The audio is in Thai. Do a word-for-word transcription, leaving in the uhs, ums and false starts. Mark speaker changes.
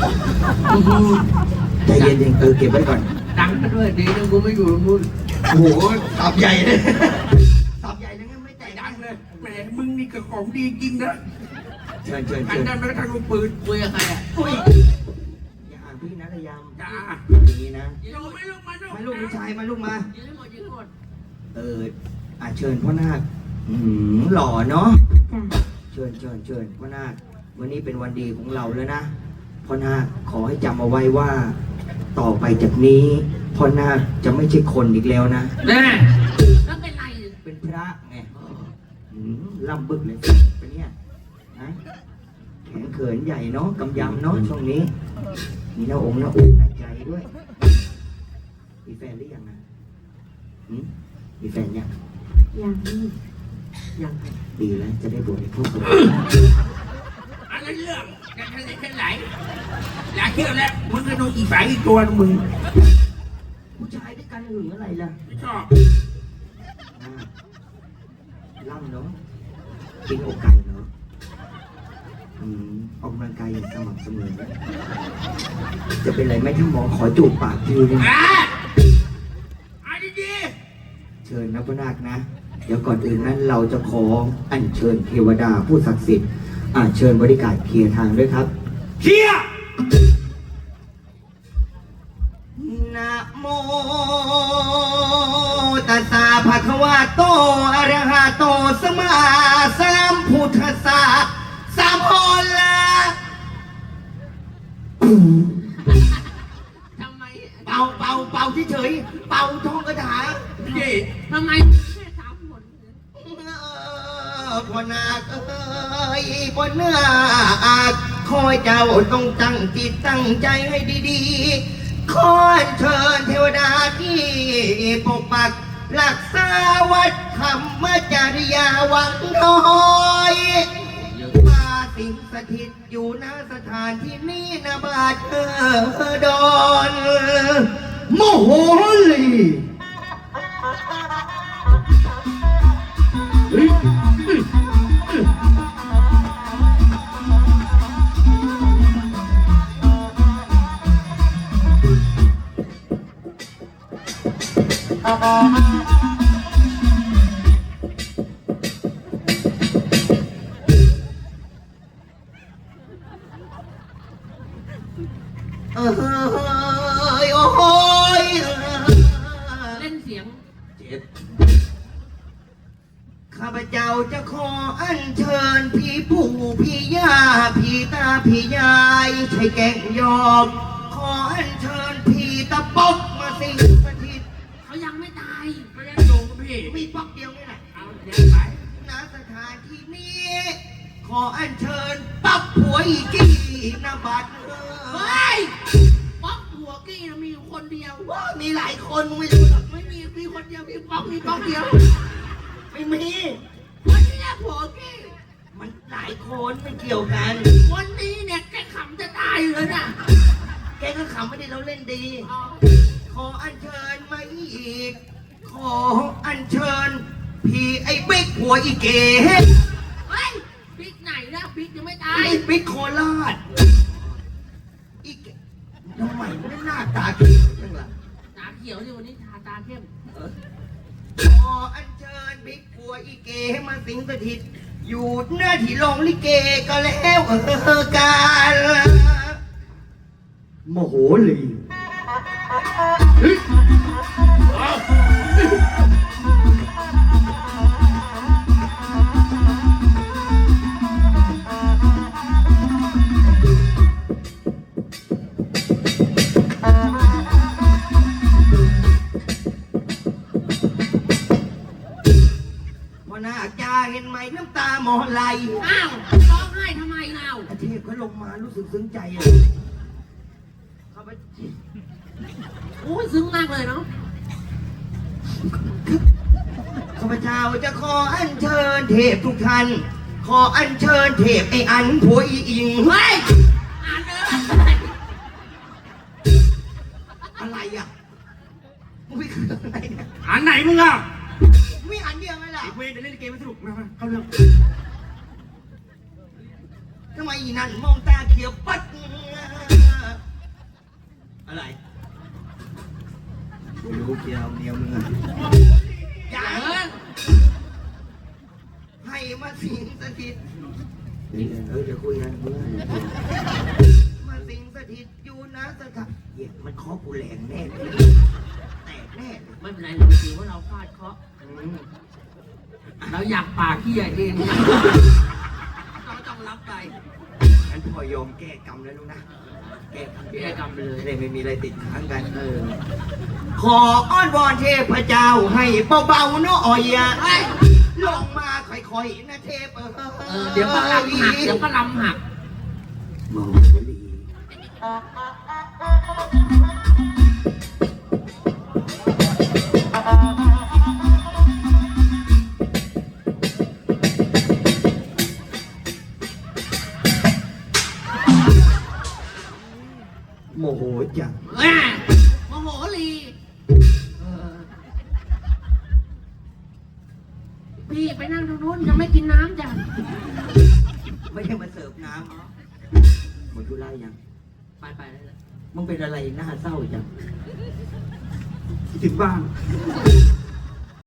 Speaker 1: ใจเย็นๆเออเก็บไว้ก่อน
Speaker 2: ดังกันด้วยดีนะกูไม่อยู่มึง
Speaker 1: โอ้โหตับใหญ่เลยตับใหญ่เลยงั้นไม่แต่ดังเลย
Speaker 2: แหมมึงนี่ก็ของดีจริงนะ
Speaker 1: เชิญเชิญ
Speaker 2: อัน
Speaker 1: เชิญ
Speaker 2: นั้นไม่ทางลูกปืนคุยกับใครอ่ะ
Speaker 1: อุ้ยอย่าห่างพี่นะระยำ
Speaker 2: จ้า
Speaker 1: อย่างนี้นะ
Speaker 2: ลูกไม่ลูกมาลูก
Speaker 1: มาลูกผู้ชายมาลูกมา
Speaker 2: ยืนให้หมดยืนให้หมด
Speaker 1: เอออาเชิญพ่อนาคอืมหล่อเนาะเชิญเชิญเชิญพ่อนาควันนี้เป็นวันดีของเราแล้วนะพ่อนาคขอให้จำเอาไว้ว่า ต่อไปจากนี้พ่อนาคจะไม่ใช่คนอีกแล้วนะ
Speaker 2: แน่แล้วเป็นไร
Speaker 1: เป็นพระไงล่ำบึกเลยเป็นเนี่ยนะแขนเขินใหญ่เนาะกำยำเนาะช่วงนี้มีหน้าองค์หน้าอกหน้าใจด้วยมีแฟนหรือยังนะมีแฟนยัง
Speaker 3: ยัง
Speaker 1: ยังดีแล้วจะได้บวชในพวกเรา
Speaker 2: อะไรเรื่องแค่ทะเลแค่ไหลอยากเที่ยวแล้วมึงก็ดูอีสายอีกตัวมึง
Speaker 1: ผู้ชายด้วยกันหึงอะไรล่ะ
Speaker 2: ไม่ชอบ
Speaker 1: ล่ำเนาะกินอกไก่เนาะออกกำลังกายอย่างสม่ำเสมอจะเป็นไรไหมถ้ามองขอจูบปากทีนึง
Speaker 2: อ่ะดี
Speaker 1: ๆเชิญนะพระนาคนะเดี๋ยวก่อนอื่นนั้นเราจะขออัญเชิญเทวดาผู้ศักดิ์สิทธิ์อาเชิญบริการเคลียร์ทางด้วยครับ
Speaker 2: เคลียร์
Speaker 1: นะโมตัสสะภะคะวะโตอะระหะโตสัมมาสัมพุทธัสสะสัมโพละ
Speaker 2: ทำไม
Speaker 1: เป่าเป่าเป่าเฉยๆเป่าท่องคาถา
Speaker 2: พี่ทำไมแค่สามคน
Speaker 1: พ่อนาคเอ้ยพ่อนาคคอยเจ้าต้องตั้งจิตตั้งใจให้ดีๆขอเชิญเทวดาที่ปกปักรักษาวัดธรรมจริยาวังน้อยมาสิงสถิตอยู่ณสถานที่นี้นะบาดเออดอนโมโหลีเออโอ้ย
Speaker 2: เล่นเสียง
Speaker 1: เจ็บข้าพเจ้าจะขออัญเชิญพี่ปู่พี่ย่าพี่ตาพี่ยายใช้แก่งยอมขออัญเชิญพี่ตะป๊อกมาสิงสถิต
Speaker 2: เขายังไม่ตายเขายังอยู่กับพี่
Speaker 1: มีป๊อกเดียวนี่แหละ
Speaker 2: เอาเดี๋ยวไป
Speaker 1: ณสถานที่นี้ขออัญเชิญป๊อกผัวอีกี้นาบัด
Speaker 2: เฮ้ยป๊อกผัวกี้มีอยู่คนเดียว
Speaker 1: ว่ามีหลายคนไม่รู้หรอก
Speaker 2: ไม่มีมีคนเดียวมีป๊อกมีป๊อกเดียว
Speaker 1: ไม่มี
Speaker 2: คนนี้ผัวกี้
Speaker 1: มันหลายคนไม่เกี่ยวกัน
Speaker 2: คนนี้เนี่ยแกขำจะตายเลยนะ
Speaker 1: แกก็ขำไม่ได้เราเล่นดีขออัญเชิญมาอีกขออัญเชิญพี่ไอ้บิ๊กหัวอีเก๋
Speaker 2: เฮ้ยบิ๊กไหนนะบิ๊กยังไม่ตาย
Speaker 1: ไอ้บิ๊กโคราชอีเก๋ทำไมไม่ได้หน้าตาเขียวจังล่ะ
Speaker 2: ตาเขียวที่วันนี้ทาตาเข้ม
Speaker 1: ขออัญเชิญบิ๊กหัวอีเก๋มาสิงสถิตอยู่หน้าที่โรงลิเกก็แล้วเออการโมโหลีเห็นไหมน้ำตาหมอไหล
Speaker 2: อ้าวร้องไห้ทำไมเรา
Speaker 1: อาเทพก็ลงมารู้สึกซึ้งใจอ่ะเขาไป
Speaker 2: โอ้ยซึ้งมากเลยเนาะ
Speaker 1: ข้าพเจ้าจะขออัญเชิญเทพทุกท่านขออัญเชิญเทพไอ้อันผัวอีอิง
Speaker 2: เฮ้ยอ่านเลย
Speaker 1: อะไรอ่ะมึงไม่คืออะไรเนี่ย
Speaker 2: อ่านไหนมึงอ่ะ
Speaker 1: ไม่อันเดียวไหมล่ะ
Speaker 2: เวรเล่นเกมไม่สนุกมาเข้าเรื่อง
Speaker 1: ทำไมอีนั่นมองตาเขียวปัดเดียวเมียมึงอะอย่า
Speaker 2: เออ
Speaker 1: ให้มาสิงสถิตเออเดี๋ยวคุยกันเพื่อนมาสิงสถิตอยู่นะสถานเหี้ยมันเคาะกูแรงแน่เลยแตกแน่เลย
Speaker 2: ไม่เป็นไรเราถือว่าเราฟาดเคราะห์
Speaker 1: อืม
Speaker 2: เราอยากปากที่ใหญ่เองเราต้องรับไป
Speaker 1: งั้นพอยอมแก้กรรมแล้วลูกนะ แก้กรรม
Speaker 2: แก้กรรมไปเลย
Speaker 1: จะได้ไม่มีอะไรติดค้างกัน
Speaker 2: เออ
Speaker 1: ขออ้อนวอนเทพเจ้าให้เบาๆเนาะอ่อยอะ
Speaker 2: เฮ้ย
Speaker 1: ลงมาค่อยๆนะเทพเออ
Speaker 2: เออเดี๋ยวก็ลำหักเดี๋ยวก็ลำหัก
Speaker 1: โมลีโมโหจัง
Speaker 2: แม่โมโหลีเออพี่ไปนั่งตรงนู้นยังไม่กินน้ำจ้ะ
Speaker 1: ไม่ใช่มาเสิร์ฟน้ำหมดธุระยัง
Speaker 2: ไปไปเลย
Speaker 1: มึงเป็นอะไรหน้าเศร้าจังคิดถึงบ้าง